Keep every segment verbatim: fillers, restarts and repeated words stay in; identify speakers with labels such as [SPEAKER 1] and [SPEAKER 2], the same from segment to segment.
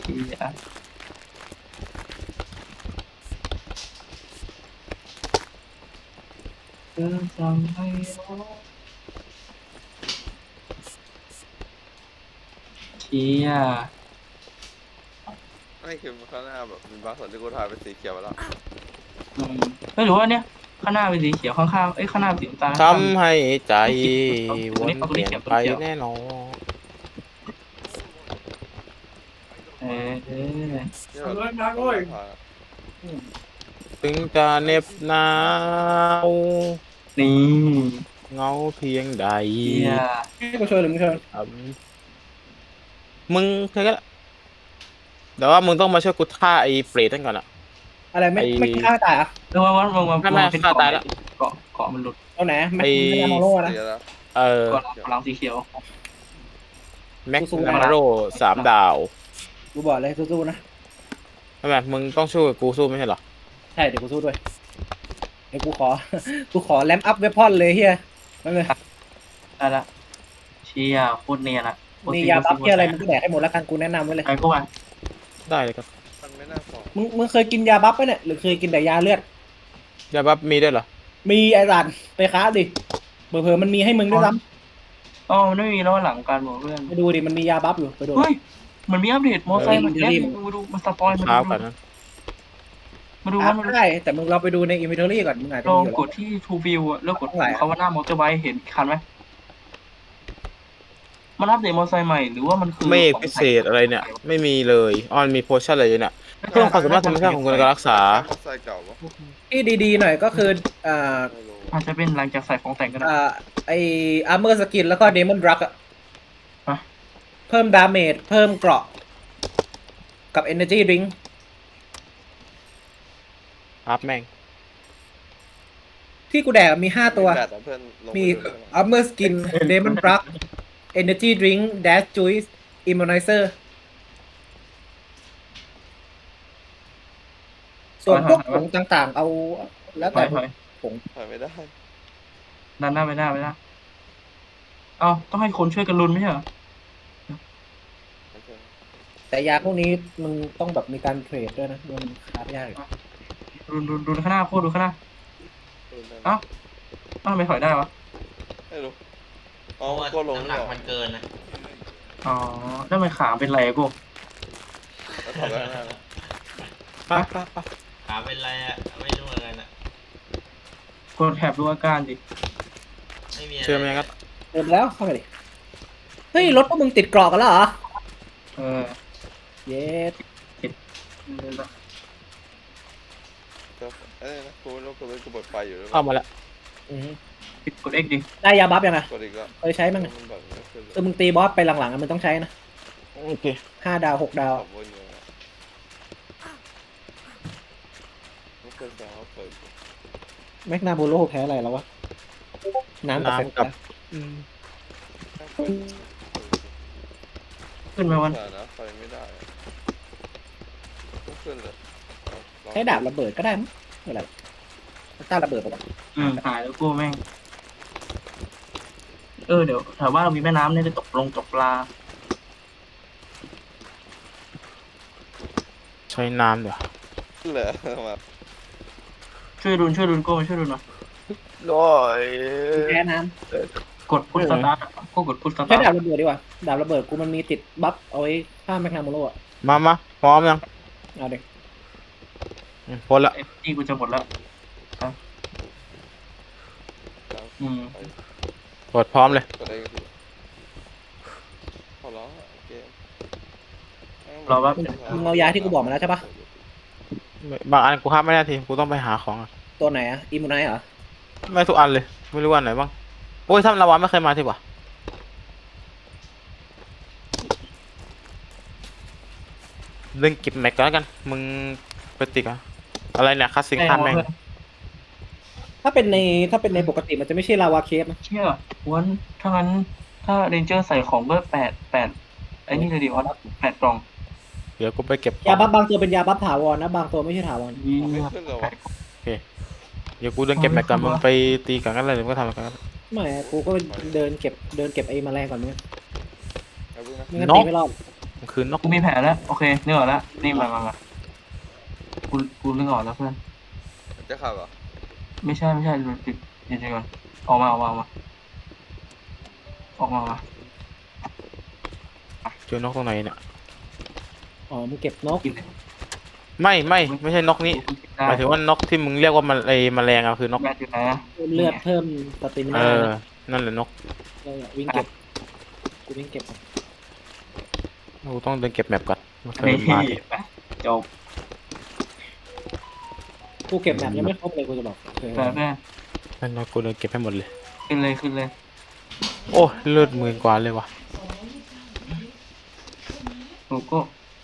[SPEAKER 1] เฮียเธอจำไม่ได้เฮีย
[SPEAKER 2] ไม่คือข้างหน้าแบบมีบางส่วนที่กูถ่ายเป็นสีเขียวไปแล้ว
[SPEAKER 1] อืมไม่รู้ว่าเนี่ยข้างหน้าเป็นสีเขียวข้างๆเอ้ยข้างหน้าเป็นสีน้ำตาล
[SPEAKER 3] ท
[SPEAKER 1] ข้าง
[SPEAKER 3] ำให้ใจ
[SPEAKER 1] ๆไม่เขียวเอาตัว
[SPEAKER 3] วน
[SPEAKER 1] นี้เอาตัว
[SPEAKER 3] เปลี่ยนไป
[SPEAKER 1] นี้เขียวตัวนี้เขียว
[SPEAKER 3] แน่นอน
[SPEAKER 1] เออเออ
[SPEAKER 2] นี่แบบต้นไม้พา
[SPEAKER 3] ถึงจะเหน็บหนาว
[SPEAKER 1] นี่
[SPEAKER 3] เหงาเพียงใด
[SPEAKER 1] เฮีย
[SPEAKER 4] ให้กูช่วยหรือมึงช่วย
[SPEAKER 3] ครับมึงแค่นั้นแหละแต่ว่ามึงต้องมาช่วยกูฆ่าไอ้เปรตนั่นก่อนอะ
[SPEAKER 4] อะไรไม่
[SPEAKER 3] ไอ้
[SPEAKER 4] ไม่ฆ่าตายอ่ะ
[SPEAKER 1] เออว่าว่าว่าว่า
[SPEAKER 3] ไม่ไม่
[SPEAKER 1] ว่าเป็น
[SPEAKER 3] ฆ่า
[SPEAKER 1] เกาะ
[SPEAKER 3] ตายแล้ว
[SPEAKER 1] เกาะเกาะมันหลุด
[SPEAKER 4] เอาไหนไม่
[SPEAKER 3] ไอ้
[SPEAKER 4] ไม่ได้มาโล่นะ
[SPEAKER 2] เสียแล้ว
[SPEAKER 3] เออ
[SPEAKER 1] เกาะพลังสีเขียว
[SPEAKER 3] แม็ก
[SPEAKER 4] สู้ๆ
[SPEAKER 3] นามาโรสามดาว
[SPEAKER 4] กูบอกเลยสู้ๆนะ
[SPEAKER 3] ทำไมมึงต้องช่วยกูสู้ไม่ใช่เหรอ
[SPEAKER 4] ใช่เดี๋ยวกูสู้ด้วยเดี๋ยวกูขอ กูขอแลมอัพเวพอนเลยเฮียนั่นเลย
[SPEAKER 1] ได้ละเชียโคตรเนียนอะโคตร
[SPEAKER 4] มี
[SPEAKER 1] ซี
[SPEAKER 4] ยาบัฟ
[SPEAKER 1] โคต
[SPEAKER 4] เฮียอะไรมึ
[SPEAKER 1] แส
[SPEAKER 4] งก็แดกให้หมดแล้วกันกูแนะนำไว้เลย
[SPEAKER 1] บไปพวกมัน
[SPEAKER 3] ได้เลยครับ
[SPEAKER 2] มันไม่น่าฟอง
[SPEAKER 4] มึงมึงเคยกินยาบัฟปะเนี่ยหรือเคยกินแต่ยาเลือด
[SPEAKER 3] ยาบัฟมีด้วยเหรอ
[SPEAKER 4] มีไอ้สันไปค้าดิเผื่อๆมันมีให้มึงด้วยซ้
[SPEAKER 1] อ๋อมันไม่มีแล้วหลังการบอกเพื่อน
[SPEAKER 4] ำไปดูดิมันมียาบัฟอยู่ไปดู
[SPEAKER 1] เฮ้ยมันมีอัปเดตมอไซค์
[SPEAKER 4] เออ
[SPEAKER 1] มันแค่
[SPEAKER 4] รีบ
[SPEAKER 1] มาดูมาสปอยมา
[SPEAKER 3] เช้า
[SPEAKER 1] ดู
[SPEAKER 3] กันนะ
[SPEAKER 1] มาดู
[SPEAKER 4] อ่ะ
[SPEAKER 1] ว่ามัน
[SPEAKER 4] ได้แต่มึงเราไปดูในอินเวนทอรี่ก่อนมึงอาจจะ
[SPEAKER 1] ลอ
[SPEAKER 4] มี
[SPEAKER 1] ง
[SPEAKER 4] อยู่
[SPEAKER 1] ก
[SPEAKER 4] แล้ว
[SPEAKER 1] ดที่ To View อะแล้วกด
[SPEAKER 4] เท่าไหร่อะ
[SPEAKER 1] คำว่าหน้ามอเตอร์ไบค์เห็นคันไหมมันอัปเดตมอไซค์ใหม่หรือว่ามันคือ
[SPEAKER 3] เมฆพิเศษอะไรเนี่ย ไม่มีเลยออนมีโพชั่นอะไรเนี่ยเพิ่มความสามารถธรรมชาติของการรักษา
[SPEAKER 2] มอไซค์เก่าปะ
[SPEAKER 4] ที่ดีๆหน่อยก็คืออ่า
[SPEAKER 2] ไม่รู้
[SPEAKER 1] อาจจะเป็นหลังจากใส่ของแต่งก็ได้
[SPEAKER 4] อ่าไออาร์เมอร์สกินแล้วก็เดมอนดรักอะ
[SPEAKER 1] ฮะ
[SPEAKER 4] เพิ่มดาเมจเพิ่มเกราะกับ Energy Drink
[SPEAKER 3] อัพแม่ง
[SPEAKER 4] ที่กูแดกมีห้าตัว
[SPEAKER 2] แบตอะเพื่อนลงไป
[SPEAKER 4] มี
[SPEAKER 2] ดูได้ไหม
[SPEAKER 4] Armor Skin Demon Drug Energy Drink Dash Juice Immunizer ส่วนพวกผงต่างๆ เอาแล้ว
[SPEAKER 1] ถ
[SPEAKER 4] แต่
[SPEAKER 1] อยถอย
[SPEAKER 4] ผง
[SPEAKER 2] ถ่ายไม่ได้
[SPEAKER 1] ดันหน้าไปหน้าไปหน้าเอ้าต้องให้คนช่วยกันลุ้นไม่ใช่เหรอ
[SPEAKER 2] โอเค
[SPEAKER 4] แต่ยาพวกนี้มึงต้องแบบมีการเทรดด้วยนะมันคราฟยากอยู่
[SPEAKER 1] ดูดูดูข้างหน้าโคตรดูข้างหน้า
[SPEAKER 2] ดูได้ไหม
[SPEAKER 1] เอ้าเอ้าทำไมถอยได้วะ
[SPEAKER 2] ไม่รู้อ๋
[SPEAKER 5] เพ
[SPEAKER 2] อ
[SPEAKER 5] ราะว่า
[SPEAKER 2] ก็ลง
[SPEAKER 5] น้ำห
[SPEAKER 2] นี่
[SPEAKER 5] นัก
[SPEAKER 2] หรอ
[SPEAKER 5] มันเกินนะ
[SPEAKER 1] อ๋อแล้วทำไมขาเป็นไรอะกู
[SPEAKER 2] แล้วถอดไว้ข้างหน้านะ
[SPEAKER 3] ปั๊บปั๊บปั๊บ
[SPEAKER 5] ขาเป็นไรอ่ะ ไม่รู้เหมือนกันอ่ะ
[SPEAKER 1] กดแถบดูอาการดิ
[SPEAKER 5] ไม่มีะไร
[SPEAKER 3] เชื่อไหมครับ
[SPEAKER 4] เติมแล้วเข้าไปดิเฮ้ยรถพวกมึงติดกรอกกันแล้วเหรอ
[SPEAKER 1] เออ
[SPEAKER 4] เย็ด
[SPEAKER 2] ก็เอ้ยนะกูไม่รู้กูเลยกูเปิดไฟอยู่หรือเป
[SPEAKER 3] เข้า
[SPEAKER 2] ล่า
[SPEAKER 3] มาแล้ว
[SPEAKER 4] อืม
[SPEAKER 1] ปิดกด X ดิ
[SPEAKER 4] ได้ยาบัฟยังไง
[SPEAKER 2] กดอีกแล้ว
[SPEAKER 4] เคยใช้มั้งไง
[SPEAKER 2] มันแบบไม่ขึ้นเล
[SPEAKER 4] เออย มึงตีบอสไปหลังๆอะมึงต้องใช้นะ
[SPEAKER 3] โอเค
[SPEAKER 4] ห้าดาวหกดาว
[SPEAKER 2] ขับวนอยู่นะไม่ขึ้นแสดงว่าเปิดอยู่
[SPEAKER 4] แมกนาโบโลแพ้อะไรแล้ววะ น้ำกับเฟน
[SPEAKER 3] น้ำกับ อืม
[SPEAKER 1] ขึ้นไหมวัน
[SPEAKER 2] แต่นะไฟไม่ได้อะไม่ขึ้นเลยเอาลอง
[SPEAKER 4] ใช้ดาบระเบิดก็ได้มั้งอะไรต้านระเบิดปะวะ
[SPEAKER 1] อืมหายแล้วกูแม่ง เออเดี๋ยวแถวบ้านเรามีแม่น้ำเนี่ยจะตกลงตกปลา
[SPEAKER 3] ใช้น้ำเดี๋ยว
[SPEAKER 2] เหลือมา
[SPEAKER 1] ช่วยดุนช่วยดุนโก้มาช่วยดุนหน่อย
[SPEAKER 3] ด้วย
[SPEAKER 4] แพ้น้
[SPEAKER 1] กดพุทสตาร์ทก็กดพุทส
[SPEAKER 4] ำใช้
[SPEAKER 1] ตาร์
[SPEAKER 4] ดาบ
[SPEAKER 1] ท
[SPEAKER 4] ระเบิดดีกว่า ดาบระเบิดกูมันมีติดบัฟเอาไว้ฆ่าแมกนาโมโลอ่ะ
[SPEAKER 3] มามาพร้อมยัง
[SPEAKER 4] เอาเด็ก
[SPEAKER 3] อืมพ้นละ
[SPEAKER 1] เอฟจีกูจะหมดแล้วครับอืม
[SPEAKER 3] กดพร้อมเลย
[SPEAKER 2] กดได้ก็คือพอร้องอะเกม
[SPEAKER 1] รอแป๊บ
[SPEAKER 4] มึงเอายาที่กูบอกมาแล้วใช่ปะ
[SPEAKER 3] ไม่บางอันกูห้ามไม่ได้ทีกูต้องไปหาของอะ
[SPEAKER 4] ตัวไหนอ่ะอิมูไนเหรอ
[SPEAKER 3] ไม่ทุกอันเลย ไม่รู้อันไหนบ้าง โอ้ยถ้าละวันไม่เคยมาทีวะเรื่องเก็บแม็กก่อนแล้วกัน มึงไปติกอะอะไรเนี่ยคัสซิงคันแม่ง
[SPEAKER 4] ถ้าเป็นในถ้าเป็นในปกติมันจะไม่ใช่ลาวาเคฟนะ
[SPEAKER 1] เชื่อวันถ้างั้นถ้าเรนเจอร์ใส่ของก็แปดแปดไอ้นี่เลยดิวันแปดกล่อง
[SPEAKER 3] เดี๋ยวกูไปเก็บข
[SPEAKER 4] ยา
[SPEAKER 3] อง
[SPEAKER 4] บัฟบางตัวเป็นยาบัฟถาวรนะ บางตัวไม่ใช่ถาวร
[SPEAKER 1] ยี่
[SPEAKER 2] ไม่ขึ้นเลยวะ
[SPEAKER 3] เดี๋ยวกูเดินเก็บแม็กก่อนมึงไปตีกันกันเลยเดี๋ยวมึงก็ทำกัน
[SPEAKER 4] ไม่อะกูก็เดินเก็บเดินเก็บไอ้แมลงก่อนมึง
[SPEAKER 2] เอาเพิ่งนะ
[SPEAKER 4] ไม่งั้น
[SPEAKER 3] นก
[SPEAKER 4] ตีไม่รอด
[SPEAKER 3] มันคือนก
[SPEAKER 1] กูมีแผนแล้วโอเคนึกออกแล้วนี่มามามากูกูนึกออกแล้วเพื่อน
[SPEAKER 2] จะขับเหรอ
[SPEAKER 1] ไม่ใช่ไม่ใช่ดูดิเดี๋ยวก่อนออกมาออกมาออกมาออกมาออกมา
[SPEAKER 3] เจอนกตรงไหนเนี่ย
[SPEAKER 4] อ๋อมึงเก็บนก
[SPEAKER 1] กินเลย
[SPEAKER 3] ไม่ไม่ไม่ใช่นกนี้
[SPEAKER 1] กูกินได้
[SPEAKER 3] หมายถึงว่านกที่มึงเรียกว่ามันไอแมลงอะคือนก
[SPEAKER 1] แบตอยู่ไหนนะ
[SPEAKER 4] เพิ่มเลือดเพิ่มสติมิ
[SPEAKER 3] เอ
[SPEAKER 4] นา
[SPEAKER 3] อนั่นแหละนก
[SPEAKER 4] เออวิ่งเก็บกูวิ่งเก็บ
[SPEAKER 3] กูต้องเดินเก็บแมปก่อนมันเค
[SPEAKER 1] เฮ้
[SPEAKER 3] ย
[SPEAKER 1] ย
[SPEAKER 3] มา
[SPEAKER 1] ไปจบ
[SPEAKER 4] กูเก็บแมปยังไม่ครบเลยกูจะบอกเออ
[SPEAKER 1] ไปเพื่อน
[SPEAKER 3] นั่นนะกูเดินเก็บให้หมดเลย
[SPEAKER 1] ขึ้นเลยขึ้นเลย
[SPEAKER 3] โอ้เลือดหมื่นกว่าเลยว่ะ
[SPEAKER 1] กูก็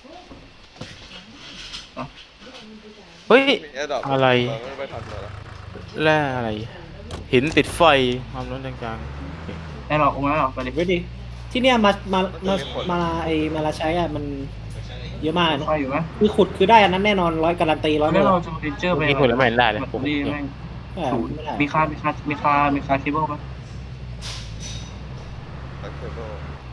[SPEAKER 3] เฮ้ย
[SPEAKER 2] มีแอร์ดรอป
[SPEAKER 3] อะไร
[SPEAKER 2] ไม่ไปทันเลยเหรอ
[SPEAKER 3] แร่อะไร หินติดไฟความร้อนกลาง
[SPEAKER 1] ไอ้หรอกกูไม่หรอกไปดิ
[SPEAKER 4] ไว้ดิที่เนี่ยมามามามาไอมาลาใช้อะมันเยอะมากนะ
[SPEAKER 1] ไฟอยู่ไหม
[SPEAKER 4] คือขุดคือได้อันนั้นแน่นอนร้อยการันตีร้อย
[SPEAKER 1] ไม่
[SPEAKER 4] เปอร์
[SPEAKER 1] เราจะเรนเจอร์ไป
[SPEAKER 3] ๆนี่คนละไม่เห็นได้เลย
[SPEAKER 1] แบบ
[SPEAKER 3] ผม
[SPEAKER 1] นี้แม่ง
[SPEAKER 4] เออ
[SPEAKER 1] ศูนย์
[SPEAKER 4] ไม่ได้
[SPEAKER 1] มีคามีคามีคามีคาเคเบิลไหม
[SPEAKER 2] ตัดเคเบิล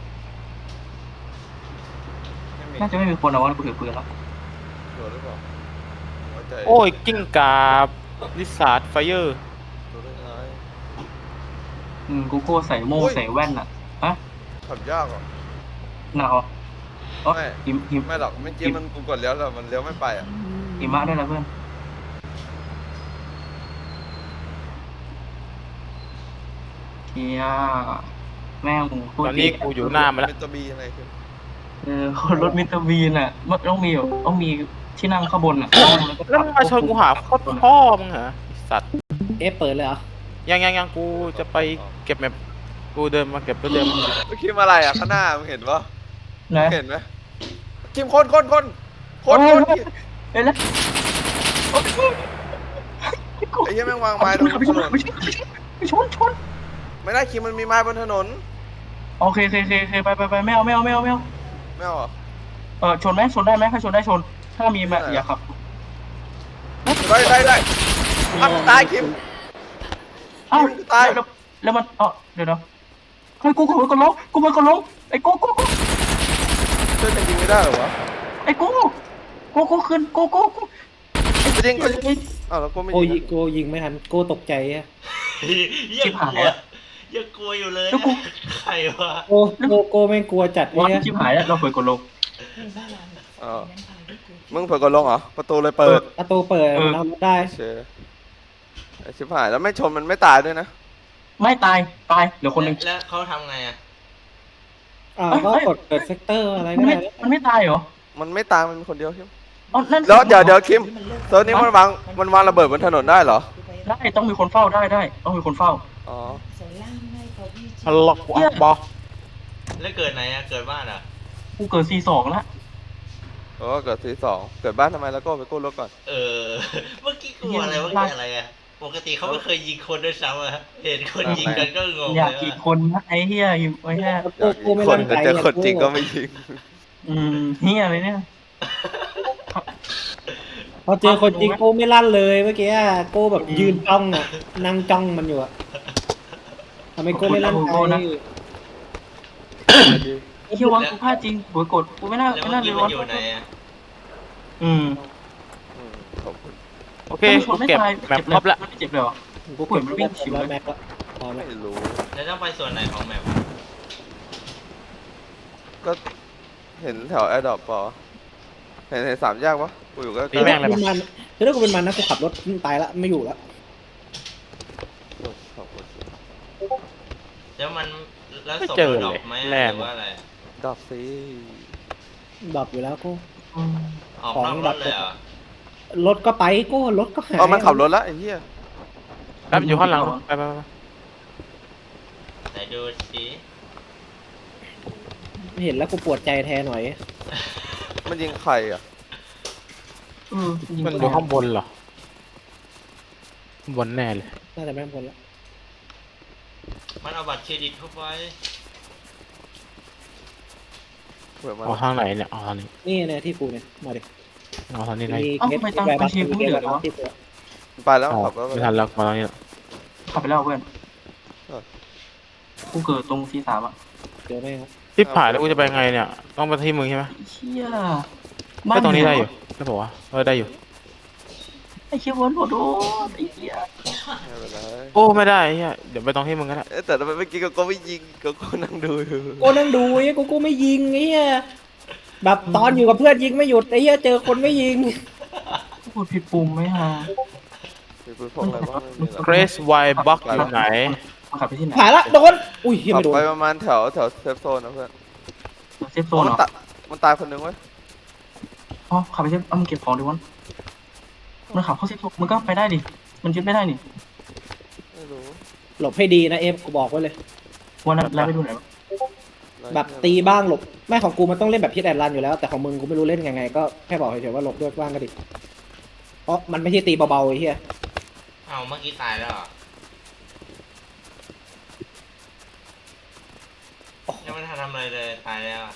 [SPEAKER 2] ไม่มี
[SPEAKER 1] น่าจะไม่มีคนเอาว่ากูถือปืนแล้ว
[SPEAKER 2] ชัวร์หรือเปล่าไว้ใจ
[SPEAKER 3] โอ้ยกิ้งกาบลิซาร์ดไฟเออร์
[SPEAKER 2] ดูได้ไง
[SPEAKER 1] อืมกูโก้ใส่โม่ง
[SPEAKER 2] อุ้ย
[SPEAKER 1] ใส่แว่นอะฮะ
[SPEAKER 2] ขับยากเหรอ
[SPEAKER 1] หนาวเหรออ๋อ
[SPEAKER 2] ไม่
[SPEAKER 1] หิมหิม
[SPEAKER 2] ไม่หรอกเมื่อกี้มันกูกดเลี้ยวแล้วมันเลี้ยวไม่ไปอ่ะ
[SPEAKER 1] หิมะด้วยนะเพื่อนเฮียแม่งพูด
[SPEAKER 3] ตอนนี้กูอยู่หน้ามันแล้ว
[SPEAKER 2] มิสเตอร์บีอะไรคือ
[SPEAKER 1] เออคนรถมิสเตอร์บีนอ่ะมันต้องมีแบบต้องมีที่นั่งข้างบนอ่ะแล้วก็
[SPEAKER 3] แล้วมึงมาชนกูหาโคตรพ่อมึงเหรอไอ้สัตว์
[SPEAKER 4] เอ๊ะเปิดเลยเหรอ
[SPEAKER 3] ยังยังยังกูจะไปเก็บแมปกูเดินมาเก็บไปเดิม
[SPEAKER 2] เมื่อกี้มาอะไรอ่ะข้างหน้ามึงเห็นปะ
[SPEAKER 1] นะ
[SPEAKER 2] เห็นไหมทีมคนคนคนคนคน
[SPEAKER 1] เอ้ยแล้ว
[SPEAKER 2] ไอ้เหี้ยแม่งวางไม้ตรงถนน
[SPEAKER 1] ไม่ใช่ไม่ชนชน
[SPEAKER 2] ไม่ได้คิมมันมีไม้บนถนน
[SPEAKER 1] โอเคโอเคโอเคโอเคไปไปไปไม่เอาไม่เอาไม่เอาไม่เอา
[SPEAKER 2] ไม่เอาเหรอ
[SPEAKER 1] เออชนไหมชนได้ไหมถ้าชนได้ชน ถ้ามีมาอย่าขับ
[SPEAKER 2] ได้ได้ได้อ้าวตายคิม
[SPEAKER 1] อ้าว
[SPEAKER 2] คิมตาย
[SPEAKER 1] แล้วแล้วมันเออเดี๋ยวนะเฮ้ยกูกูมันก็ล้มกูมันก็ล้มไอ้กูกูกู
[SPEAKER 2] เพื่อนจะยิงไม่ได้เหรอวะ
[SPEAKER 1] ไอ้กูกูกูขึ้นกูกูกู
[SPEAKER 2] จะยิงก็ยิงอ้าวแล้วก็ไม่
[SPEAKER 4] โก
[SPEAKER 2] ยิ
[SPEAKER 4] ยิ
[SPEAKER 2] ง
[SPEAKER 4] โกยิงไม่ทันโกตกใจอะ
[SPEAKER 5] ยังกลัวยังกลัวอยู่เลยใครวะ
[SPEAKER 4] โกโกโกไม่งกลัวจัด
[SPEAKER 1] วัน
[SPEAKER 4] เนี่ย
[SPEAKER 1] ชิบหายแล้วเราเปิดกดลง
[SPEAKER 2] อ๋อมึงเปิดกดลงเหรอประตูเลยเปิด
[SPEAKER 4] ประตูเปิด
[SPEAKER 1] เออ
[SPEAKER 4] เราได้
[SPEAKER 2] เชยไอ้ชิบหายแล้วไม่ชนมันไม่ตายด้วยนะ
[SPEAKER 1] ไม่ตายตายเหลือคนหนึ่ง
[SPEAKER 5] แล้วเขาทำไงอ่ะ
[SPEAKER 4] อ่าก็กดเปิดเซกเตอร์อะไร
[SPEAKER 1] มัน
[SPEAKER 4] ก็
[SPEAKER 1] ไม่
[SPEAKER 4] ได้
[SPEAKER 1] มันไม่ตายเหรอ
[SPEAKER 2] มันไม่ตายมันมีคนเดียวคิม
[SPEAKER 1] อ๋อนั่น
[SPEAKER 2] แล้วเดี๋ยวเดี๋ยวคิมเซิร์ฟนี้มันวางมันวางระเบิดบนถนนได้เหรอ
[SPEAKER 1] ได้ต้องมีคนเฝ้าได้ได้ต้องมีคนเฝ้า
[SPEAKER 2] อ๋อ
[SPEAKER 3] ฮัลโหลกูอัพบอ
[SPEAKER 5] แล้วเกิดไหนอ่ะเกิดบ้านอ่ะ
[SPEAKER 1] กูเกิดซีสองแล้ว
[SPEAKER 2] โอ้เกิดทีสองเกิดบ้านทำไมแล้วก็ไปกู้รถก่อน
[SPEAKER 5] เออเมื่อกี้กลัวอะไรเมื่อกี้อะไรอ่ะปกติเขาไม่เคยยิงคนด้วยซ้ำอ่ะเห็นคนยิงกันก็งง
[SPEAKER 1] อ
[SPEAKER 5] เลย
[SPEAKER 1] ากกี่
[SPEAKER 5] ว่า
[SPEAKER 1] คนนะไอ้เฮียอยู่ไอ้เฮีย
[SPEAKER 4] โกโกไม่
[SPEAKER 2] ค
[SPEAKER 4] รั
[SPEAKER 2] น
[SPEAKER 4] น
[SPEAKER 2] จะ
[SPEAKER 4] ใจ
[SPEAKER 2] เจอคนจริงก็ไม่ยิง
[SPEAKER 1] อืมเฮียอะไรเนี่ย
[SPEAKER 4] พอเจอคนจริงโกไม่ลั่นเลยเมื่อกี้อะโกแบบยืนจ้องอ่ะนั่งจ้องมันอยู่อะทำไมโกไม่ลั่นใจ
[SPEAKER 1] ไอ้เฮียวังกูพลาดจริงหัวกดกูไม่น่า
[SPEAKER 5] แล้ว
[SPEAKER 1] ไม่
[SPEAKER 5] เมื่อ
[SPEAKER 1] น่า
[SPEAKER 5] กี้
[SPEAKER 1] เลย
[SPEAKER 5] มันอยู่ไหนอ่ะ
[SPEAKER 1] อืม
[SPEAKER 2] อืมขอบคุณ
[SPEAKER 3] โอเค
[SPEAKER 1] ไม่ช
[SPEAKER 3] กู
[SPEAKER 1] นไม่
[SPEAKER 3] เก็บ
[SPEAKER 1] ตาย
[SPEAKER 3] แมป
[SPEAKER 1] เจ็บ
[SPEAKER 3] ค
[SPEAKER 1] เล
[SPEAKER 3] ร
[SPEAKER 1] ย
[SPEAKER 3] บแล้ว
[SPEAKER 1] ไม่เจ็บเลยเหรอ
[SPEAKER 4] กูเก็บแล้วแล้วแม็กละพอไหม
[SPEAKER 2] ไม่รู้
[SPEAKER 5] แล้วต้องไปส่วนไหนของแมป
[SPEAKER 2] ก็เห็นแถวแอร์ดรอปปอเห็นเห็นสามแยกปะกูอยู่ก็
[SPEAKER 3] ตีแม่งเลย
[SPEAKER 4] เป็นมันคือถ้ากูเป็นมันนะกูขับรถตายละไม่อยู่ละ
[SPEAKER 2] ขอบคุณ
[SPEAKER 5] แล้วมันแล้ว
[SPEAKER 3] ไม่
[SPEAKER 5] ศพ
[SPEAKER 3] เจอ
[SPEAKER 5] มันดรอ
[SPEAKER 3] เลย
[SPEAKER 5] ปไหม
[SPEAKER 3] แร่
[SPEAKER 5] หรือว่าอะไร
[SPEAKER 2] ดรอปสิ
[SPEAKER 4] ดรอปอยู่แล้วกู
[SPEAKER 1] อืม
[SPEAKER 5] ออกนอกรถเลยเหรอ
[SPEAKER 4] รถก็ไปกูรถก็หาย
[SPEAKER 2] เออมันขับรถแล้วไอ้เหี้ย
[SPEAKER 3] แป๊บอยู่ข้างหลังไปไปไป
[SPEAKER 5] ไหนดูสิ
[SPEAKER 4] เห็นแล้วกูปวดใจแทนหน่อย
[SPEAKER 2] มันยิงใครอ่ะ
[SPEAKER 1] เออยิง
[SPEAKER 3] มัน
[SPEAKER 1] ไม่
[SPEAKER 3] อยู่
[SPEAKER 1] ได้
[SPEAKER 3] ข้างบนเหรอข้างบนแน่เลย
[SPEAKER 4] น่าจะไม่พ้นละ
[SPEAKER 5] มันเอาบัตรเครดิตเข้าไป
[SPEAKER 2] เผื่อมัน
[SPEAKER 3] เอาทางไหนเนี่ยเอาทางนี้
[SPEAKER 4] นี่เนี่ยที่กูเนี่ยมาดิ
[SPEAKER 3] เอาทางนี้ได้
[SPEAKER 4] มี
[SPEAKER 1] เอ้า
[SPEAKER 4] เคส
[SPEAKER 1] ไม่ตาม
[SPEAKER 4] แวร์
[SPEAKER 1] ไป
[SPEAKER 4] บัส
[SPEAKER 1] เชียร์กูไม่เหลือเลยวะ
[SPEAKER 4] ที่ตัว
[SPEAKER 2] ไปแล้ว
[SPEAKER 3] อ๋อ
[SPEAKER 2] ขับแล้ว
[SPEAKER 3] ไม่ทันแล้วมาตรงนี้แล้ว
[SPEAKER 1] ขับไปแล้วเพื่อนกูเกิดตรงซีสามอ่ะ
[SPEAKER 4] เดี๋ยวไม่ครับ
[SPEAKER 3] ที่ผ่านแล้วกูจะไปไงเนี่ยต้องไปที่มึงใช่ไหม
[SPEAKER 1] เชี่ย
[SPEAKER 3] ก็ตรงนี้ได้
[SPEAKER 1] เห
[SPEAKER 3] อยู่ใช่ปะวะเออได้อยู่
[SPEAKER 1] ไอ้เชี่ยวนโหดโอ้ไอ้เหี้ย
[SPEAKER 2] ไม่เป็นไร
[SPEAKER 3] โอ้ไม่ได้เฮียเดี๋ยวไปตรงที่มึงก็ได้
[SPEAKER 2] เอ๊ะแต่ทำไมเมื่อกี้ก็ก็ไม่ยิงก็ก็นั่งดูอยู่
[SPEAKER 4] โกนั่งดูไอ้กูกูไม่ยิงไอ้เหี้ยแบบตอนอยู่กับเพื่อนยิงไม่หยุดไอ้เหี้ยเจอคนไม่ยิง
[SPEAKER 1] กดผิดปุ่มไหมฮะ
[SPEAKER 2] มีปืนพกอะไรบ้างไม่มีหรอก
[SPEAKER 3] เกรซไวบ็อกอยู่ไหน
[SPEAKER 1] มันขับไปที่ไหน
[SPEAKER 4] ผ่านละโดนอุ้ยเหี้ย
[SPEAKER 2] ขับ
[SPEAKER 4] ไม่โดน
[SPEAKER 2] ไปประมาณแถวแถวเซฟโซนนะเพื่อน
[SPEAKER 1] เซฟโซน
[SPEAKER 2] มั
[SPEAKER 1] เหรอ
[SPEAKER 2] ตายมันตายคนหนึงเว้ย
[SPEAKER 1] อ๋อขับไปเซฟเอามึงเก็บของดิวันมันขับเข้าเซฟโซนมึงก็ไปได้ดิมันยึดไม่ได้นี่
[SPEAKER 2] ไม่รู้
[SPEAKER 4] หลบให้ดีนะเอฟกูบอกไว้เลย
[SPEAKER 1] วันนั้นแล้วไปดูไหนวะ
[SPEAKER 4] แบบตีบ้างหลบไม่ของกูมันต้องเล่นแบบพิษแอนรันอยู่แล้วแต่ของมึงกูไม่รู้เล่นยังไงก็แค่บอกเฉยๆว่าหลบด้วยบ้างก็ดีเพราะมันไม่ใช่ตีเบาๆไอ้เหี้ย
[SPEAKER 5] เอาเมื่อกี้ตายแล้วเหรอยังไม่ทันทำอะไรเลยตายแล้วอะ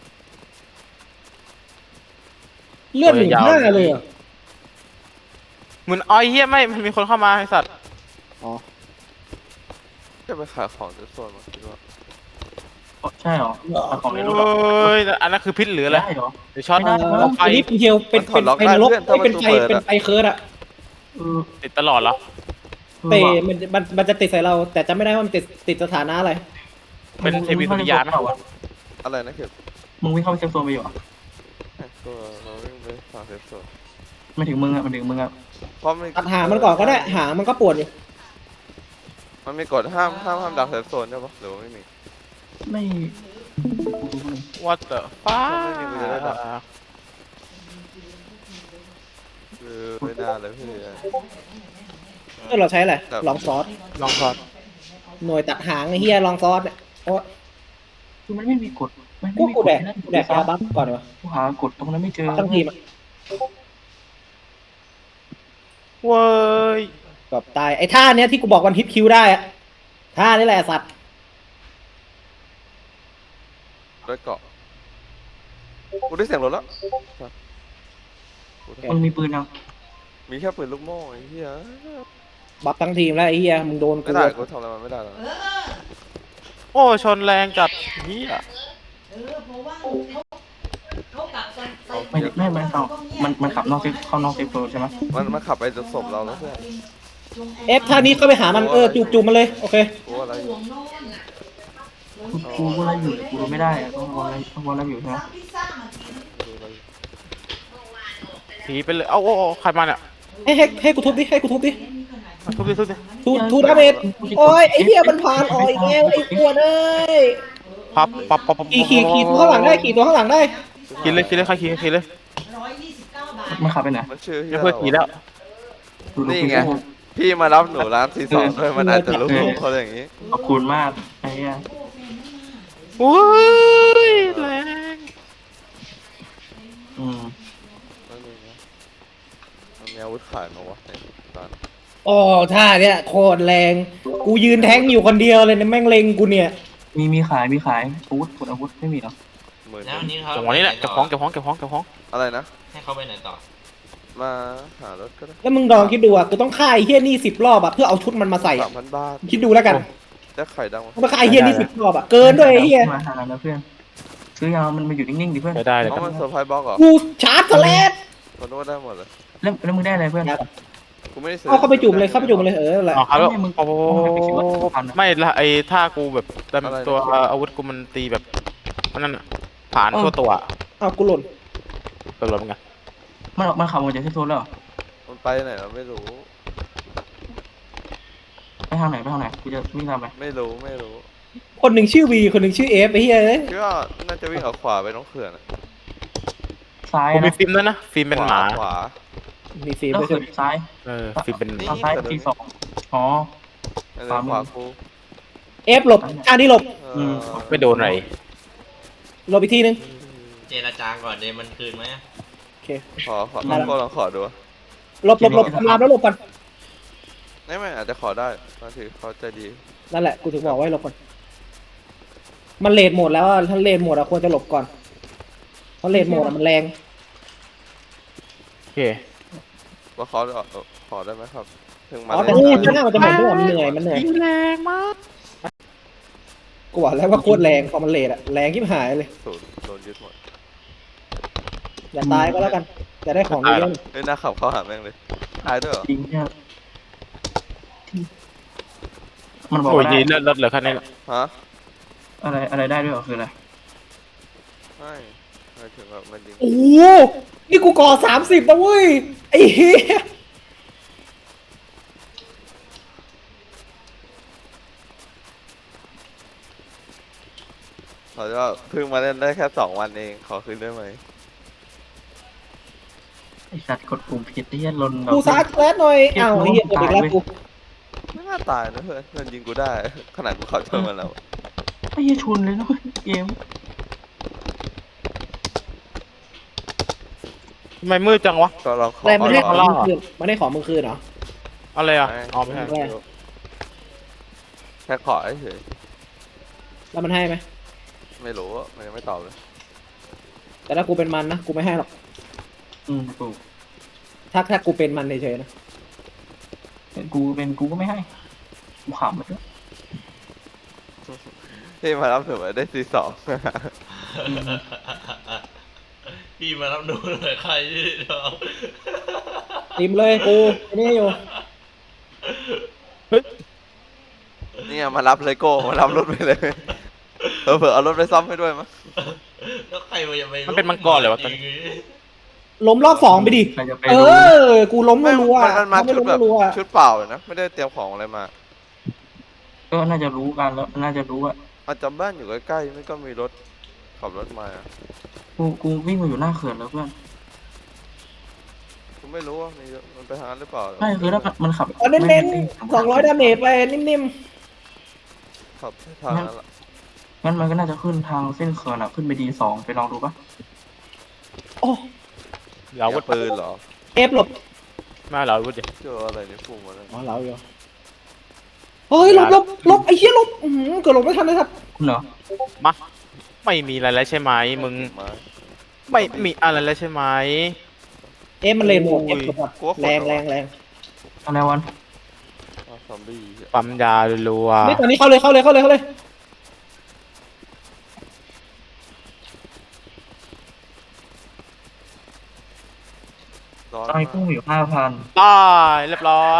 [SPEAKER 4] เลือดหนึ่งห้าเลยเหรอ
[SPEAKER 3] เหมือนอ้อยเฮียไม่มันมีคนเข้ามาไอสัตว์
[SPEAKER 4] อ๋อ
[SPEAKER 2] จะไปขายของเซฟโซนมาคิดว่า
[SPEAKER 1] อ๋อใช่เหรอเอาของในรถ
[SPEAKER 3] โอ
[SPEAKER 1] เหรอ้
[SPEAKER 3] ยอันนั้นคือพิษหรืออะไร
[SPEAKER 1] ได้เหรอ
[SPEAKER 3] เดี๋ยวช็อต
[SPEAKER 1] ไม่ได้
[SPEAKER 4] เออ
[SPEAKER 3] เอาไฟ
[SPEAKER 4] อันนี้เป็นเทียวเป็นเป็นไฟนรกไม่เป็นไฟเป็นไฟเคิร์ดอะ
[SPEAKER 1] เออ
[SPEAKER 3] ติดตลอดเหรอ
[SPEAKER 4] เตะมันมันมันจะติดใส่เรา แต่จำไม่ได้ว่ามันติดติดสถานะอะไร
[SPEAKER 3] เป็นเทพีสุริยาไหม
[SPEAKER 2] อะไรนะเข็บ
[SPEAKER 1] มึงวิ่งเข้าไปเซฟโซนไปอยู่อ่ะ
[SPEAKER 2] เอ้ยตัวเราวิ่งไปฝั่งเซฟโซน
[SPEAKER 1] ไม่ถึงมึงอ่ะมันถึงมึงอ่ะ
[SPEAKER 2] เพราะมัน
[SPEAKER 4] ตัดหางมันก่อนก็ได้หางมันก็ปวดอยู่
[SPEAKER 2] มันมีกฎห้ามห้ามห้ามดักเซฟโซนใช่ปะหรือว่าไม่มี
[SPEAKER 1] ไม่
[SPEAKER 3] What the fuck
[SPEAKER 2] ไม่มีกูจะได้ดัก คือไม่น่าเลยพี่
[SPEAKER 4] เออเราใช้อะไรลองซอส
[SPEAKER 3] ลองช็อต
[SPEAKER 4] หน่วยตัดหางไอ้เฮียลองซอสเนี่ยโอ้
[SPEAKER 1] คือมันไม่มีกฎมัน
[SPEAKER 4] กู
[SPEAKER 1] ไม่มี
[SPEAKER 4] กู
[SPEAKER 1] กฎ
[SPEAKER 4] แดก
[SPEAKER 1] นั่น
[SPEAKER 4] กูแดกยาบัฟก่อนดีกว่า
[SPEAKER 1] กูหากฎตรงนั้นไม่เจอ
[SPEAKER 4] ทั้งทีมอะ
[SPEAKER 3] เว้ย
[SPEAKER 4] แบบตายไอ้ท่าเนี้ยที่กูบอกวันฮิตคิวได้อะท่านี่แหละสัตว์
[SPEAKER 2] ด้วยเกาะกูได้เสียงรถแล้ว
[SPEAKER 1] มันมีปืนยัง
[SPEAKER 2] มีแค่ปืนลูกโม่ไอ้เหี้ย
[SPEAKER 4] บัฟทั้งทีมแล้วไอ้เฮียมึงโดนกู
[SPEAKER 2] ไม่ได้กูทำอะไรมันไม่ได้แล้ว
[SPEAKER 3] โอ้ชนแรงจัดเฮีย
[SPEAKER 6] เออเพราะว่าเขาเขากลับกันไป
[SPEAKER 1] ไม่ไม่ไม่เอามันมันขับนอกเซฟเข้านอกเซฟโซนใช่ไหม
[SPEAKER 2] มันมันขับไปจนศพเราแล้วเพื่อน
[SPEAKER 4] เอฟท่านี้ก็ไปหามันเออจูบจูบมันเลยโอเค
[SPEAKER 2] กูอะไรอยู่
[SPEAKER 6] ห่วงโน่นน่ะ
[SPEAKER 1] กูกูกูไล่อยู่กูไม่ได้อะต้องวอลไล่ต้องวอลไล่อยู่ใช่ไหม
[SPEAKER 6] สั่งพิซซ่ามากิน
[SPEAKER 2] ดูอะไรอยู่
[SPEAKER 3] ผีไปเลย เอ้าโอ้โอ้ใครมาเนี่ย
[SPEAKER 4] ให้ให้ให้กูทุบดิให้กูทุบดิ
[SPEAKER 3] มาทุบดิทุบดิ
[SPEAKER 4] ทูทูดาเมจโอ้ยไอ้เหี้ยมันผ่านออกอีกแล้วไอ้อ้วนเอ้ย
[SPEAKER 3] พับปับปับปับ
[SPEAKER 4] ขี่ขี่ขี่ตัวข้างหลังได้ขี่ตัวข้างหลังได้
[SPEAKER 3] ขี่เลยขี่เลยใครขี่ขี่เลย
[SPEAKER 6] ร้อยยี่สิบเก้าบาท
[SPEAKER 1] มันขับไปไหน
[SPEAKER 2] มันชื่อ
[SPEAKER 3] ไม่เพื่อขี่แล้ว
[SPEAKER 1] ดูดู
[SPEAKER 2] นี่
[SPEAKER 1] ดู
[SPEAKER 2] ไง พี่มารับหนูร้านสี่สองด้วยมันอาจจะรู้เขาอย่างนี้
[SPEAKER 1] ขอบคุณมากไอ้เหี้ย
[SPEAKER 3] โอ้ยแรง
[SPEAKER 1] อืม
[SPEAKER 2] นั่นเองนะมันมีอาวุธขายมาวะในตอน
[SPEAKER 4] โอ้ท่าเนี้ยโคตรแรงกูยืนแทงอยู่คนเดียวเลยเนี่ยแม่งเล็งกูเนี่ย
[SPEAKER 1] มีมีขายมีขายอาวุธกดอาวุธไม่มีหรอ
[SPEAKER 2] หมื่น
[SPEAKER 5] แล้ววันนี้เขา
[SPEAKER 3] จังหวะนี้แหละเก็บของเก็บของเก็บของเก็บของ
[SPEAKER 2] อะไรนะ
[SPEAKER 5] ให้เขาไปไหนต่อ
[SPEAKER 2] มาหารถก็ได้
[SPEAKER 4] แล้วมึงลองคิดดูอ่ะกูต้องฆ่าไอ้เฮี้ยนี่สิบรอบอ่ะเพื่อเอาชุดมันมาใส่
[SPEAKER 2] สามพันบาท
[SPEAKER 4] คิดดูแล้วกัน
[SPEAKER 2] ได้ไข่ดังวะ
[SPEAKER 4] ต้องไปฆ่าไอ้เฮี้ยนี่สิบรอบอ่ะเกินด้วยไอ้เฮี้ย
[SPEAKER 1] มาหาแล้วเพื่อนซื้อยาวมันมาอยู่นิ่งๆดิเพื่อน
[SPEAKER 3] ไปได้เลย
[SPEAKER 2] เพ
[SPEAKER 3] ครับ
[SPEAKER 2] ราะมันเซอร์ไพรส์บล็อกเหรอ
[SPEAKER 4] กูชาร์จสแลด
[SPEAKER 2] มันนวดได้หมดเลย
[SPEAKER 1] แล้วแล้วมึงได้อะไรเพื่อน
[SPEAKER 2] กูไม่ได้ซื้อ
[SPEAKER 4] เอาเข้าไปจุ่มเลยเข้าไปจุ่มเลยเออแหละ
[SPEAKER 3] อ๋อครับแล้ว
[SPEAKER 1] ไม่มึง
[SPEAKER 3] โอ้โห
[SPEAKER 1] มึงไปคิดว่าพันอะ
[SPEAKER 3] ไม่ละไอ้ท่ากูแบบตัวอาวุธกูมันตีแบบนั่นน่ะผ่านทั่วตัว
[SPEAKER 4] เอากูหล่น
[SPEAKER 3] ตลอดไง
[SPEAKER 1] มันออกมันขับออกจากเซฟโซนแล้วเหรอ
[SPEAKER 2] มันไปไหนเราไม่รู้
[SPEAKER 1] ไปทางไหนไปทางไหนกูจะวิ่งตามไป
[SPEAKER 2] ไม่รู้ไม่รู้
[SPEAKER 4] คนหนึ่งชื่อวีคนหนึ่งชื่อเอฟไอ้เฮี้ยเอ้ย
[SPEAKER 2] คิดว่าน่าจะวิ่งออกขวาไปน้องเขื่อนอะ
[SPEAKER 1] ซ้าย
[SPEAKER 3] กูมี
[SPEAKER 1] นะ
[SPEAKER 3] ฟิล์มด้วยนะฟิล์มเป็นหมา
[SPEAKER 2] ขวา
[SPEAKER 4] มีฟิล์ม
[SPEAKER 1] แล้ว
[SPEAKER 4] ด้วย
[SPEAKER 1] เขื่อนซ้าย
[SPEAKER 3] เออฟิล์มเป็น
[SPEAKER 1] ทางซ้ายทีสองอ๋อ
[SPEAKER 2] ขวา
[SPEAKER 1] ขวามือ
[SPEAKER 2] ขวากู
[SPEAKER 4] เอฟหลบท่านี้หลบ
[SPEAKER 2] เออ
[SPEAKER 3] ไม่โดนอะไร
[SPEAKER 4] หลบอีกทีนึง
[SPEAKER 5] เจรจาก่อนเดยวมันคืนไหมอะ
[SPEAKER 4] โอเค
[SPEAKER 2] ขอขอลองก็ลองขอดู
[SPEAKER 4] หลบหลบหลบทำลามแล้วหลบกัน
[SPEAKER 2] ไม่ไม่อาจจะขอได้บางทีเขาใจดี
[SPEAKER 4] นั่นแหละกูถึงบอกไว้หลบก่อนมันเลดโหมดแล้วอะถ้าเลดโหมดอะควรจะหลบก่อนเพราะเลดโหมดอะมันแรง
[SPEAKER 3] โอเค
[SPEAKER 2] ว่าเขาจะขอได้ไหมครับ ถึงมา
[SPEAKER 4] อ๋อแต่
[SPEAKER 2] เล่น
[SPEAKER 4] ที่ข้างหน้ามันจะหมดด้วยมันเหนื่อยมันเหนื่อย
[SPEAKER 3] แรงมาก
[SPEAKER 4] กูบอกแล้วว่าโคตรแรงพอมันเลทอะแรงที่หายเลย
[SPEAKER 2] ศูนย์โดนยึดหมด
[SPEAKER 4] อย่าตายก็แล้วกัน จะได้ของเยอะ
[SPEAKER 2] เฮ้ยหน้าขับเข้าหาแม่งเลยตายด้วยเหรอ
[SPEAKER 1] จริงเนี่ยมันบอก
[SPEAKER 3] โอ้ย
[SPEAKER 1] ว่าได้
[SPEAKER 3] ยีเลือดลดเหลือแค่นี้แหละ
[SPEAKER 2] ฮะ
[SPEAKER 1] อะไรอะไรได้ด้วยเหรอคืออะไร
[SPEAKER 2] ไม่หมายถึงแบบมันยิง
[SPEAKER 4] ๆโอ้โหนี่กูก่อสามสิบนะเว้ยไอ้เหี้ย
[SPEAKER 2] เขาจะเพิ่งมาเล่นได้แค่สองวันเองขอคืนได้ไหม
[SPEAKER 1] ไอสัตว์กดปุ่มผิดที่ยันลนแบบ
[SPEAKER 4] กูซักแลดหน่อยอ้าวไอ้เหี้ยกดอีกแล้วกู
[SPEAKER 2] ไม่น่าตายนะเพื่อนมันยิงกูได้ ขนาดกูขอโทษมันแล้ว
[SPEAKER 1] ไอ้เหี้ยชุนเลยนะเว้ยเกม
[SPEAKER 3] ทำไมมืดจังวะ
[SPEAKER 2] ก็ลองขอ
[SPEAKER 4] อะไรมันให้ของ
[SPEAKER 2] ล
[SPEAKER 4] มึ
[SPEAKER 2] อง
[SPEAKER 4] งคืนมันให้ของมึงคืนเหรอ
[SPEAKER 3] อะไรอ่ะอ๋อไม่ใช่
[SPEAKER 4] อะไร
[SPEAKER 2] แค่ขอเฉย
[SPEAKER 4] แล้วมันให้ไหม
[SPEAKER 2] ไม่รู้อะมันยังไม่ตอบเลย
[SPEAKER 4] แต่ถ้ากูเป็นมันนะกูไม่ให้หรอก
[SPEAKER 1] อืมกู
[SPEAKER 4] ถ้าถ้ากูเป็นมันเฉยๆนะ
[SPEAKER 1] เป็นกูเป็นกูก็ไม่ให้กูขำไปด้วย
[SPEAKER 2] ที่มารับถือว่าได้ซีสอง
[SPEAKER 5] พี่มารับดูหน่อยใครที่น้อง
[SPEAKER 4] ติมเลยกูไอ้นี่อยู่
[SPEAKER 2] เนี่ยมารับเลยโก้มารับรถไปเลยเออเผื่อเอารถไปซ่อมให้ด้วยมั้ง
[SPEAKER 5] แล้วใครมันจะไป
[SPEAKER 3] มันเป็นมังกรเลยวะตอนนี้
[SPEAKER 4] ล้มรอบสองไปดิ
[SPEAKER 1] ใครจะไป
[SPEAKER 4] เอ
[SPEAKER 1] รู้
[SPEAKER 4] อ กูล้ม
[SPEAKER 2] ไม่
[SPEAKER 4] รัวๆ
[SPEAKER 2] มันมันมา
[SPEAKER 4] ถ้าไม่
[SPEAKER 2] ชุด
[SPEAKER 4] ล้ม
[SPEAKER 2] แบบ
[SPEAKER 4] รัวๆอะ
[SPEAKER 2] ชุดเปล่าเลยนะ ไม่ได้เตรียมของอะไรมา
[SPEAKER 1] ก็น่าจะรู้กันแล้วน่าจะรู้อะ
[SPEAKER 2] อาจจะบ้านอยู่ใกล้ๆไม่ก็มีรถขับรถมาอะ
[SPEAKER 1] กูกูวิ่งมาอยู่หน้าเขื่อนแล้วเพื่อน
[SPEAKER 2] กูไม่รู้ว่ามีมันไปทางนั้นหรือเปล่า
[SPEAKER 1] ไม่คือถ้ามันมันขับ
[SPEAKER 4] เอาเน้นๆสองร้อยดาเมจไปนิ่ม
[SPEAKER 2] ขับทางนั้นละ
[SPEAKER 1] งั้นมันก็น่าจะขึ้นทางเส้นเขื่อนอะขึ้นไปดีสองไปลองดูปะ
[SPEAKER 4] ๆ โอ้
[SPEAKER 3] เรา
[SPEAKER 2] เสี
[SPEAKER 3] วุ
[SPEAKER 2] ย
[SPEAKER 3] ธ
[SPEAKER 2] ปืนเหรอ
[SPEAKER 4] เอฟหลบ
[SPEAKER 3] มาเราวุธดิ
[SPEAKER 2] เจออะไรในพุ่งมาแล้ว
[SPEAKER 4] อ๋อเราอยู่เฮ้ยหลบหลบหลบไอ้เหี้ยหลบอื้อหือเกือบหลบไม่ทันเลยครับ
[SPEAKER 1] คุณเหรอ
[SPEAKER 3] มาไม่มีอะไรแล้วใช่ไหมมึง
[SPEAKER 2] มา
[SPEAKER 3] ไม่มีอะไรแล้วใช่ไหม
[SPEAKER 4] เอฟมันเลนหมด
[SPEAKER 3] โอ้
[SPEAKER 4] เอย ฟหลบหมด
[SPEAKER 2] กลัวคน
[SPEAKER 4] แรงแรงแรง
[SPEAKER 1] อะไรวัน
[SPEAKER 2] อ้าวซอมบี้
[SPEAKER 3] ปั๊มยารัว
[SPEAKER 4] นี่ตอนนี้เข้าเลยเข้าเลยเข้าเลยเข้าเลย
[SPEAKER 2] ร้อน
[SPEAKER 1] ตอนนี้
[SPEAKER 2] มา
[SPEAKER 1] พุ่ง
[SPEAKER 2] ก
[SPEAKER 1] อยู่ห้าพัน
[SPEAKER 3] ๆตายเรียบร้อย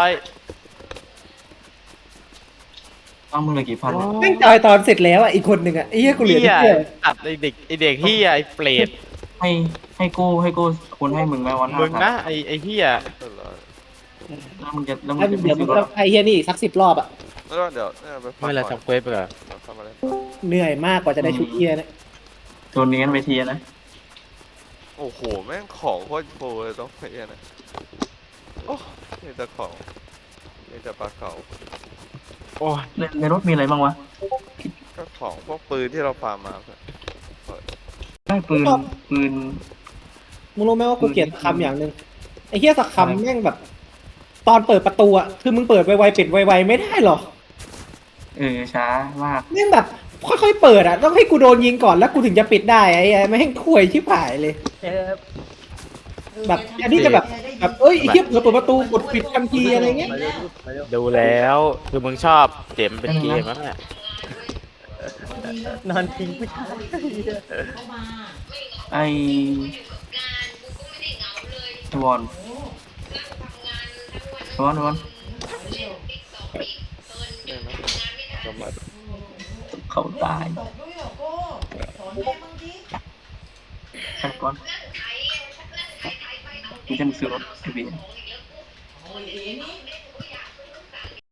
[SPEAKER 1] ตั้งมึงเลยกี่พันวะ
[SPEAKER 4] แม่งจอยตอนเสร็จแล้วอ่ะอีกคนหนึ่งอ่ะไอ้เหี้ยกูเหลือ
[SPEAKER 3] เฮี
[SPEAKER 4] นิด
[SPEAKER 3] ย
[SPEAKER 4] เดียว
[SPEAKER 3] ตัดไอเด็กไอเด็กเฮียไอเปรต
[SPEAKER 1] ให้ให้โก้ให้โก้คนให้มึงไหมวัน
[SPEAKER 3] มึงนะไอไอเฮีย
[SPEAKER 2] เออร้อน
[SPEAKER 1] แล้วมึงจะแล้วมึ
[SPEAKER 4] แล้ว
[SPEAKER 1] งจะ
[SPEAKER 4] เดี๋ยวมึ
[SPEAKER 1] ซื้
[SPEAKER 4] ง
[SPEAKER 1] อร
[SPEAKER 4] ก็
[SPEAKER 1] ถ
[SPEAKER 4] ไอ้เหี้ยนี่อีกสักสิบรอบอ่ะ
[SPEAKER 2] แล้วก็เดี๋ยวเนี่ยไปพัก
[SPEAKER 3] ไม่เป็นไร
[SPEAKER 2] ก่อน
[SPEAKER 3] ทำเควสไปก่อน
[SPEAKER 2] เดี๋ยวเข้ามาเล่น
[SPEAKER 4] เหนื่อยมากกว่าจะได้ชุดเหี้ยเนี่ย
[SPEAKER 1] ตัวนี้กันไปทีนะ
[SPEAKER 2] โอ้โหแม่งของโคตรโปรเลยต้องไปเนี่ยนะโอ้มีแต่ของมีแต่ปลาเก๋า
[SPEAKER 3] โอ้ย
[SPEAKER 1] ในในรถมีอะไรบ้างวะ
[SPEAKER 2] ก็ของพวกปืนที่เราฟาร์มมาเพื่อน
[SPEAKER 1] ได้ปืนปืน
[SPEAKER 4] มึงรู้ไหมว่ากูเกลียดคำอย่างหนึ่งไอ้เหี้ยสักคำแม่งแบบ ตอนเปิดประตูอ่ะคือมึงเปิดไวๆปิดไวๆไม่ได้หรอ
[SPEAKER 1] เออช้ามาก
[SPEAKER 4] แม่งแบบค่อยๆเปิดอ่ะต้องให้กูโดนยิงก่อนแล้วกูถึงจะปิดได้ไอ้ไอ้แม่งข่วยชิบหายเลย แบบอันนี้จะแบบแบบเอ้ยไอ้เหี้ยเปิดเปิดประตูกดปิดทันทีอะไรเงี้ย
[SPEAKER 3] ดูแล้วคือมึงชอบเจมเป็นเกมนั่นแหละ
[SPEAKER 6] นอนทิ้งผู้ชายเข้ามา
[SPEAKER 1] ไอไอวอนไอวอนไอวอน
[SPEAKER 2] ได้ไหมกำลัง
[SPEAKER 1] เขาตาย
[SPEAKER 6] ตกด้วยเหรอโก้สอนแม่บ้างดิ
[SPEAKER 1] ไอ้ก่อนกูจะมาซื้อรถไอเบีย
[SPEAKER 6] โอ้ยเอ็